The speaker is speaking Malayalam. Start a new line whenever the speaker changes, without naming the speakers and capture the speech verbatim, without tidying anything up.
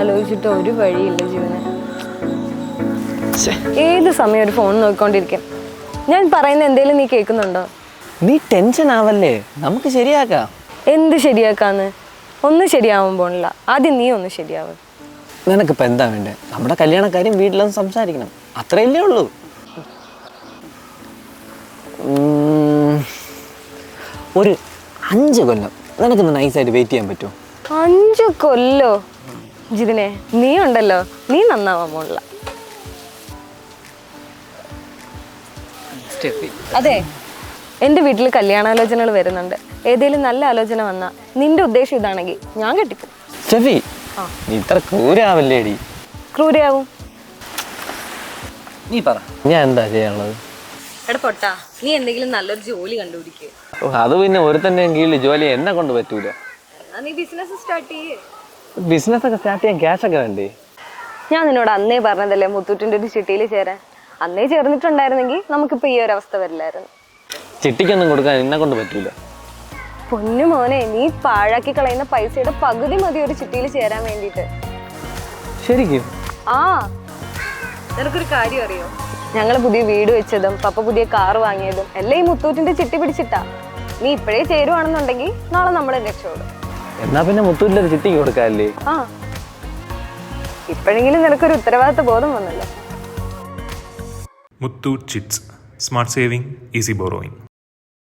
ആലോചിച്ചിട്ട് ഒരു വഴിയില്ല ജീവന്. ഏത് സമയം ഒരു ഫോൺ നോക്കിക്കൊണ്ടിരിക്കും. ഞാൻ പറയുന്ന എന്തേലും നീ കേൾക്കുന്നുണ്ടോ?
നീ ടെൻഷൻ ആവല്ലേ, നമുക്ക് ശരിയാക്കാം.
എന്ത് ശരിയാക്കാന്ന്? ഒന്നും ശരിയാവാൻ പോണില്ല. ആദ്യം നീ ഒന്ന് ശരിയാവും.
നിനക്കിപ്പോൾ എന്താ വേണ്ടേ? നമ്മുടെ കല്യാണക്കാര്യം വീട്ടിലൊന്ന് സംസാരിക്കണം, അത്രയല്ലേ ഉള്ളൂ. ഒരു അഞ്ച് കൊല്ലം നിനക്കൊന്ന് നൈസായിട്ട് വെയിറ്റ് ചെയ്യാൻ പറ്റുമോ?
അഞ്ചു കൊല്ലോ? ജിതിനെ, നീ ഉണ്ടല്ലോ, നീ നന്നാവാൻ പോണില്ല. അതെ, എൻ്റെ വീട്ടിൽ കല്യാണാലോചനകൾ വരുന്നുണ്ട്. ഏതെങ്കിലും നല്ല ആലോചന വന്നാ നിന്റെ ഉദ്ദേശം ഇതാണെങ്കിൽ ഞാൻ കെട്ടിക്കും.
സ്റ്റെഫി, നീ ഇത്ര ക്രൂരാവല്ലേടി.
ക്രൂരയാവും?
നീ പറ, ഞാൻ എന്താ ചെയ്യാനുള്ളത്?
എടാ പൊട്ടാ, നീ എന്തെങ്കിലും നല്ലൊരു ജോലി കണ്ടുപിടിക്കുക.
അത് പിന്നെ ഒരുത്തൻ്റെ കീഴിൽ ജോലി എന്നെ കൊണ്ട് പറ്റൂല.
നീ ബിസിനസ് സ്റ്റാർട്ട് ചെയ്യേ.
ബിസിനസ് ഒക്കെ സ്റ്റാർട്ട് ചെയ്യാൻ ക്യാഷ് ഒക്കെ വേണ്ടേ?
ഞാൻ നിന്നോട് അന്നേ പറഞ്ഞതല്ലേ മുത്തൂറ്റിൻ്റെ ഒരു ചിട്ടിയിൽ ചേരാൻ. അന്നേ ചേർന്നിട്ടുണ്ടായിരുന്നെങ്കിൽ നമുക്കിപ്പോൾ ഈ ഒരു അവസ്ഥ വരില്ലായിരുന്നു.
ചിട്ടിക്കൊന്നും കൊടുക്കാൻ എന്നെ കൊണ്ട് പറ്റൂല.
പൊന്നു മോനെ, നീ പാഴാക്കി കളയുന്ന പൈസയുടെ പകുതി മതി ഒരു ചിട്ടിയിൽ ചേരാൻ വേണ്ടിയിട്ട്.
ശരിക്കും?
ആ, നിനക്കൊരു കാര്യം അറിയോ? ഞങ്ങൾ പുതിയ വീട് വെച്ചതും പപ്പ പുതിയ കാറ് വാങ്ങിയതും എല്ലാം ഈ മുത്തൂറ്റിന്റെ ചിട്ടി പിടിച്ചിട്ടാ. നീ ഇപ്പോഴേ ചേരുവാണെന്നുണ്ടെങ്കിൽ നാളെ നമ്മളെ രക്ഷപ്പെടും.
എന്നാ പിന്നെ മുത്തൂറ്റിലൊരു ചിട്ടിക്ക് കൊടുക്കാല്ലേ?
ആ, ഇപ്പോഴെങ്കിലും നിനക്കൊരു ഉത്തരവാദിത്ത ബോധം വന്നല്ലോ.
Muthoot chits, smart saving, easy borrowing.